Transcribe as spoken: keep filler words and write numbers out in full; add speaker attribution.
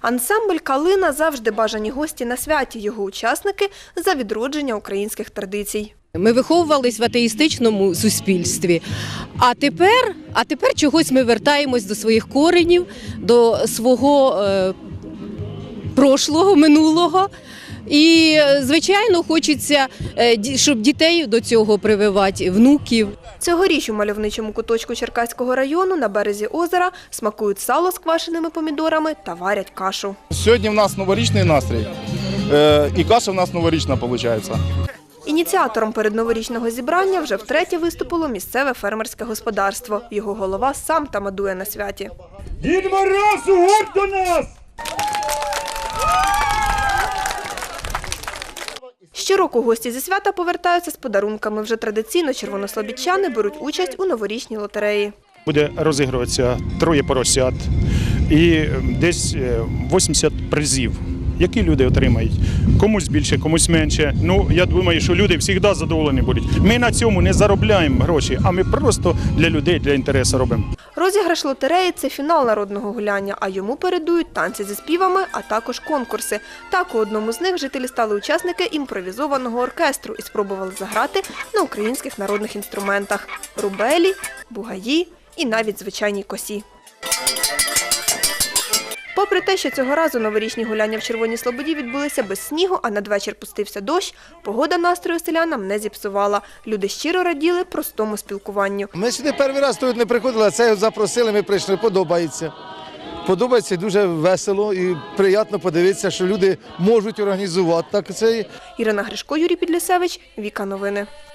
Speaker 1: Ансамбль «Калина» завжди бажані гості на святі. Його учасники – за відродження українських традицій.
Speaker 2: Ми виховувались в атеїстичному суспільстві, а тепер, а тепер чогось ми вертаємось до своїх коренів, до свого е, прошлого, минулого. І, звичайно, хочеться, щоб дітей до цього прививати, внуків.
Speaker 1: Цьогоріч у мальовничому куточку Черкаського району на березі озера смакують сало з квашеними помідорами та варять кашу.
Speaker 3: Сьогодні в нас новорічний настрій, і каша в нас новорічна виходить.
Speaker 1: Ініціатором передноворічного зібрання вже втретє виступило місцеве фермерське господарство. Його голова сам тамадує на святі.
Speaker 4: Дід Мороз, угорь до нас!
Speaker 1: Щороку гості зі свята повертаються з подарунками. Вже традиційно червонослобідчани беруть участь у новорічній лотереї.
Speaker 5: Буде розігруватися троє поросят і десь вісімдесят призів, які люди отримають. Комусь більше, комусь менше. Ну, я думаю, що люди завжди задоволені будуть. Ми на цьому не заробляємо гроші, а ми просто для людей, для інтересу робимо.
Speaker 1: Розіграш лотереї – це фінал народного гуляння, а йому передують танці зі співами, а також конкурси. Так, у одному з них жителі стали учасники імпровізованого оркестру і спробували заграти на українських народних інструментах – рубелі, бугаї і навіть звичайній косі. Попри те, що цього разу новорічні гуляння в Червоній Слободі відбулися без снігу, а надвечір пустився дощ, погода настрою селянам не зіпсувала. Люди щиро раділи простому спілкуванню.
Speaker 6: Ми сюди перший раз тут не приходили, а це запросили, ми прийшли, подобається. Подобається, дуже весело і приємно подивитися, що люди можуть організувати так це.
Speaker 1: Ірина Гришко, Юрій Підлісевич, Віка Новини.